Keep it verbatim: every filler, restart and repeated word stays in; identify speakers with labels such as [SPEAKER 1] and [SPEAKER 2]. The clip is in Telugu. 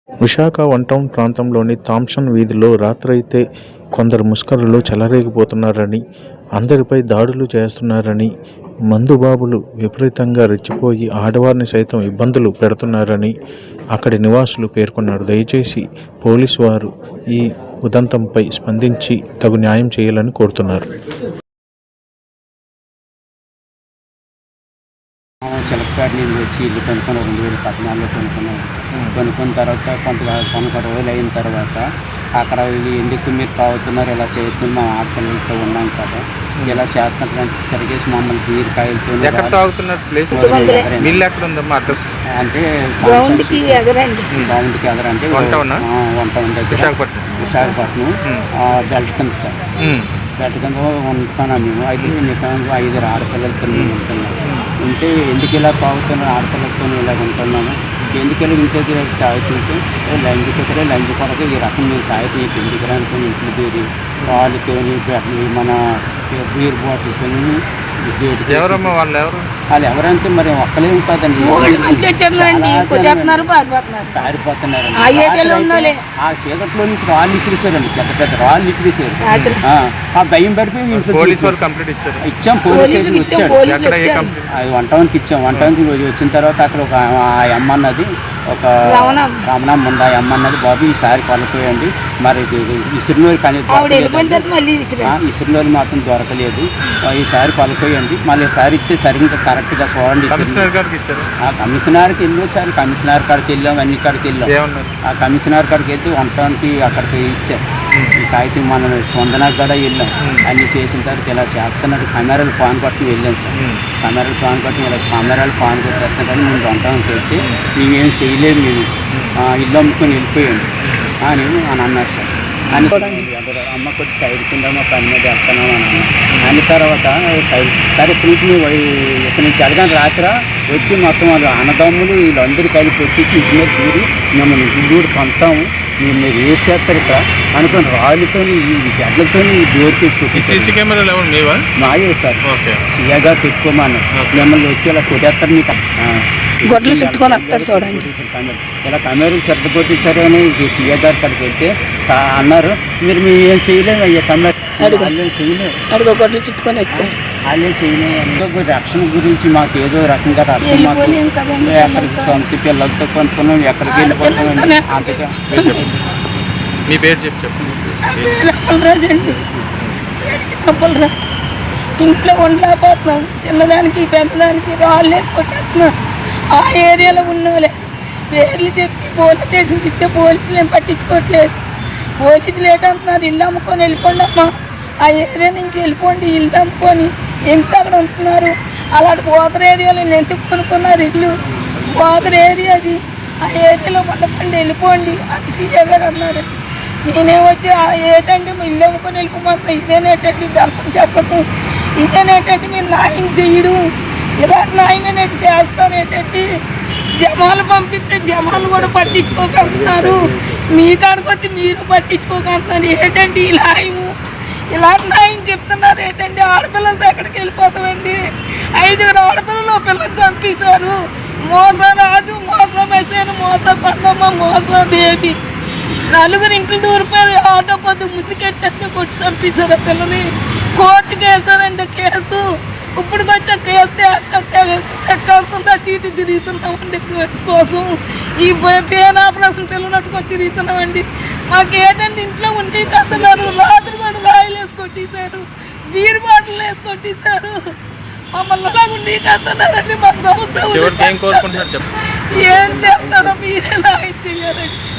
[SPEAKER 1] విశాఖ వన్ టౌన్ ప్రాంతంలోని థామ్సన్ వీధిలో రాత్రైతే కొందరు ముష్కరులు చెలరేగిపోతున్నారని, అందరిపై దాడులు చేస్తున్నారని, మందుబాబులు విపరీతంగా రెచ్చిపోయి ఆడవారిని సైతం ఇబ్బందులు పెడుతున్నారని అక్కడి నివాసులు పేర్కొన్నారు. దయచేసి పోలీసు వారు ఈ ఉదంతంపై స్పందించి తగు న్యాయం చేయాలని కోరుతున్నారు.
[SPEAKER 2] చిలకపేట నుంచి వచ్చి ఇల్లు కొనుక్కున్నాం. రెండు వేల పద్నాలుగులో కొనుక్కున్నాం. కొనుక్కున్న తర్వాత కొంత కొంత రోజులు అయిన తర్వాత అక్కడ ఎందుకు మీరు తాగుతున్నారు, ఇలా చేస్తున్నారు, మా ఆడపిల్లలతో ఉన్నాం కదా, ఇలా చేస్తున్నారు సరిగేసి మమ్మల్ని బీర్ కాయలతో అంటే గ్రౌండ్కి ఎదరంటే వంట ఉంది విశాఖపట్నం విశాఖపట్నం బెల్ట్ కింద సార్. బెల్ట్ కింద ఉంటున్నాం మేము. అయితే నిజంగా ఐదు ఆడపిల్లలతో మేము ఉంటున్నాం. ఉంటే ఎందుకు ఇలా తాగుతున్నాం, ఆడపిల్లలతో ఇలా ఉంటున్నాము, ఎందుకు ఇలా ఇంటికి తాగుతుంటే లంచ్ కుదిరే లంచ్ కొరకు ఈ రకం మేము తాగితే ఎందుకు అనుకుని ఇంట్లో తీరి వాళ్ళతో మన బీర్ బాటిల్స్
[SPEAKER 3] ఎవరమ్మా వాళ్ళు ఎవరు
[SPEAKER 2] వాళ్ళు ఎవరంటే మరి ఒక్కలే ఉంటుందండి, పారిపోతున్నారు. ఆ చీకట్లో నుంచి రాళ్ళు ఇసిరేసారండి, పెద్ద పెద్ద రాళ్ళు ఇసిరేసారు. ఆ భయం పడిపోయి ఇచ్చాం, పోలీస్ స్టేషన్ వచ్చాడు. అది వన్ టౌన్కి ఇచ్చాం. వన్ టౌన్కి వచ్చిన తర్వాత అక్కడ ఒక ఆ అమ్మ అన్నది ఒక రమణమ్మ ఉంది. ఆ అమ్మ అన్నది బాబు ఈసారి కొలపోయండి, మరి ఇసురునూరు కానీ ఇసురునూరు మాత్రం దొరకలేదు, ఈసారి కొలపోయండి, మళ్ళీ ఈసారి ఇస్తే సరిగ్గా కరెక్ట్గా చూడండి. ఆ కమిషనర్కి వెళ్ళి సార్ కమిషనర్ కాడికి వెళ్ళాం, అన్ని కాడికి వెళ్ళాం. ఆ కమిషనర్ కాడికి వెళ్తే వన్ టౌన్కి అక్కడికి ఇచ్చారు. ఈ కాగితం మనం స్పందనకు కూడా వెళ్ళాం. అన్నీ చేసిన తర్వాత ఇలా చేస్తున్నారు. కెమెరాలు పాన్ పట్టుకుని వెళ్ళాం సార్. కెమెరాలు పాన్ పట్టుకుని ఇలా కెమెరాలు పాన్ కొట్టేస్తున్నా కానీ మేము వన్ టౌన్కి వెళ్తే మేమేం చేయలేదు, మేము ఇల్లు అమ్ముకొని వెళ్ళిపోయాం అని అని అన్నారు సార్. అని అమ్మ కొద్ది సైడ్ కింద మా పని మీద వెళ్తున్నాం అని అన్న. అన్న తర్వాత సైడ్ సరే ఇక్కడి నుంచి మేము ఇక్కడి నుంచి అడగాను రాత్రి వచ్చి మొత్తం వాళ్ళు అన్నదమ్ములు వీళ్ళందరూ కలిపి వచ్చి ఇంటి మీద దూరి మిమ్మల్ని దూడి కొంటాము, మీరు మీరు ఏడు చేస్తారు ఇక్కడ అనుకుని రాళ్ళతో గడ్డలతో డోర్ తీసుకొచ్చి
[SPEAKER 3] సీసీ కెమెరాలు ఎవరు మీవా
[SPEAKER 2] మాయే సార్. సీఏగా పెట్టుకోమని మిమ్మల్ని వచ్చి ఇలా కొట్టేస్తారు, మీకు
[SPEAKER 4] గొడ్లు చుట్టుకొని వస్తారు చూడండి.
[SPEAKER 2] ఇలా కెమెరాలు చెత్తపోతేసారు అని సీఏ గారు అక్కడికి వెళ్తే అన్నారు, మీరు మేము ఏం చేయలేము అయ్యా కెమెరా చేయలేము,
[SPEAKER 4] అడుగు గొడ్లు చుట్టుకొని వచ్చాడు.
[SPEAKER 2] వాళ్ళేం చేయలేము. రక్షణ గురించి మాకు ఏదో రకంగా రక్షణ మాకు ఎక్కడికి సొంత పిల్లలతో కొనుక్కున్నాం, ఎక్కడికి వెళ్ళిపోతున్నాం. అంతగా
[SPEAKER 3] మీ పేరు చెప్పి
[SPEAKER 4] అప్పలరాజు అండి. అప్పలరాజు ఇంట్లో ఉండలేకపోతున్నాం, చిన్నదానికి పెద్దదానికి రాళ్ళు వేసుకొచ్చేస్తున్నాం. ఆ ఏరియాలో ఉన్నోలే పేర్లు చెప్పి పోలీస్ స్టేషన్కి ఇస్తే పోలీసులు ఏం పట్టించుకోవట్లేదు. పోలీసులు ఏంటంటున్నారు, ఇల్లు అమ్ముకొని వెళ్ళిపోండి అమ్మా, ఆ ఏరియా నుంచి వెళ్ళిపోండి, ఇల్లు అమ్ముకొని ఎంత అక్కడ ఉంటున్నారు. అలాంటి పోకర్ ఏరియాలో ఎందుకు కొనుక్కున్నారు ఇల్లు, పోకర్ ఏరియా అది, ఆ ఏరియాలో ఉండకండి వెళ్ళిపోండి అది సీఏ గారు అన్నారు. నేనే వచ్చి ఆ ఏంటంటే మీ ఇల్లు అమ్ముకొని వెళ్ళిపోమంటున్నా, ఇదేనేటండి ధర్మం చెప్పడం, ఇదేనేటంటే మీరు న్యాయం చేయడు, ఇలాంటి న్యాయమైనట్టు చేస్తారు ఏంటంటే. జమాలు పంపిస్తే జమాలు కూడా పట్టించుకోకంటున్నారు, మీ కాడికొచ్చి మీరు పట్టించుకోకంటున్నారు. ఏంటంటే ఈ న్యాయము, ఇలాంటి న్యాయం చెప్తున్నారు ఏంటంటే. ఆడపిల్లలతో ఎక్కడికి వెళ్ళిపోతామండి, ఐదుగురు ఆడపిల్లలు పిల్లలు చంపేశారు. మోస రాజు, మోస మెసేను, మోస కొండమ్మ, మోస దేవి, నలుగురు ఇంట్లో దూరిపోయారు. ఆటో కొద్ది ముందుకెట్టేస్తే కొట్టి చంపేశారు ఆ పిల్లని. కోర్టుకి వేసారండి కేసు. ఇప్పటికి వచ్చే కేసు ఎక్కడుతుందో అటు ఇటు తిరుగుతున్నామండి కేసు కోసం. ఈ పేన్ ఆపరేషన్ పిల్లనట్టుకొని తిరుగుతున్నామండి. మాకు ఏంటంటే ఇంట్లో ఉండి కస్తున్నారు, రాత్రి కూడా రాయలు వేసి కొట్టేశారు, బీర్ బాటిల్ వేసి కొట్టేశారు, మమ్మల్ని ఉండి కస్తున్నారండి. మా సమస్య ఏం చేస్తారో మీరే న్యాయం చేయాలండి.